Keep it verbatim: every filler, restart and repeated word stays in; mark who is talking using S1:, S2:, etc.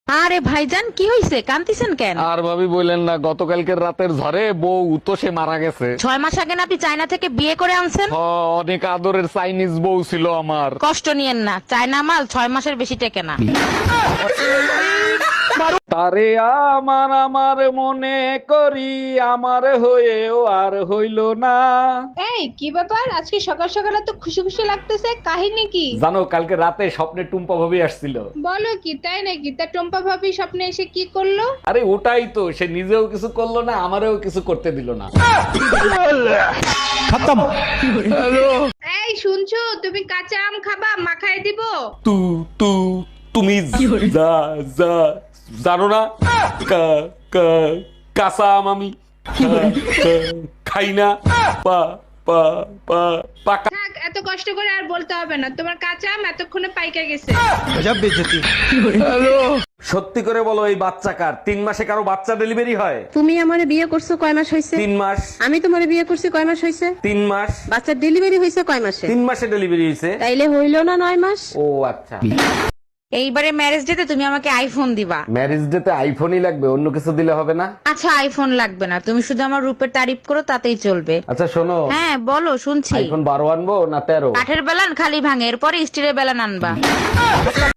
S1: আরে ভাইজান কি হইছে, কান্তিছেন কেন?
S2: আর ভাবি বললেন না, গতকালকের রাতের ঝড়ে বউ তো সে মারা গেছে।
S1: ছয় মাস আগে না আপনি চায়না থেকে বিয়ে করে আনছেন?
S2: হ, অনেক আদরের চাইনিজ বউ ছিল আমার।
S1: কষ্ট নিয়েন না, চায়না মাল ছয় মাসের বেশি টেকে না।
S2: তারে আমার আমার মনে করি, আমার হয়েও আর হইল না।
S3: এই কি ব্যাপার, আজকে সকাল সকাল তো খুশি খুশি লাগতেছে, কাহিনী কি?
S2: জানো, কালকে রাতে স্বপ্নে টুম্পা ভাবি আসছিল।
S3: বলো কি, তাই নাকি? তা টম্পা ভাবি স্বপ্নে এসে কি করলো?
S2: আরে ওটাই তো, সে নিজেও কিছু করলো না, আমারও কিছু করতে দিল না।
S3: এই শুনছো, তুমি কাঁচা আম খাবা, মাখায় দিব?
S2: তু তু তুমি যা যা জানো না, কা- কা- কাঁচা আম আমি খা- খা- খাই না। পা পা পা পাকা।
S3: থাক, এত কষ্ট করে আর বলতে হবে না, তোমার কাঁচা আম এতক্ষণে পাইকা গেছে।
S2: সত্যি করে বলো, এই বাচ্চা কার? তিন মাসে কারো বাচ্চা ডেলিভারি হয়?
S4: তুমি আমারে বিয়ে করছো কয় মাস হয়েছে?
S2: তিন মাস।
S4: আমি তোমারে বিয়ে করছি কয় মাস হয়েছে?
S2: তিন মাস।
S4: বাচ্চার ডেলিভারি হয়েছে কয় মাসে?
S2: তিন মাসে ডেলিভারি হয়েছে।
S4: তাইলে হইল না নয় মাস?
S2: ও আচ্ছা।
S1: এইবারে ম্যারেজ ডেতে তুমি আমাকে আইফোন দিবা।
S2: ম্যারেজ ডে তে আইফোনই লাগবে, অন্য কিছু দিলে হবে না?
S1: আচ্ছা আইফোন লাগবে না, তুমি শুধু আমার রূপের তারিফ করো তাতেই চলবে।
S2: আচ্ছা শোনো,
S1: হ্যাঁ বলো, শুনছি।
S2: আইফোন বারো আনবো না তেরো?
S1: কাঠের বেলান খালি ভাঙে, এরপরে স্টিলের বেলান আনবা।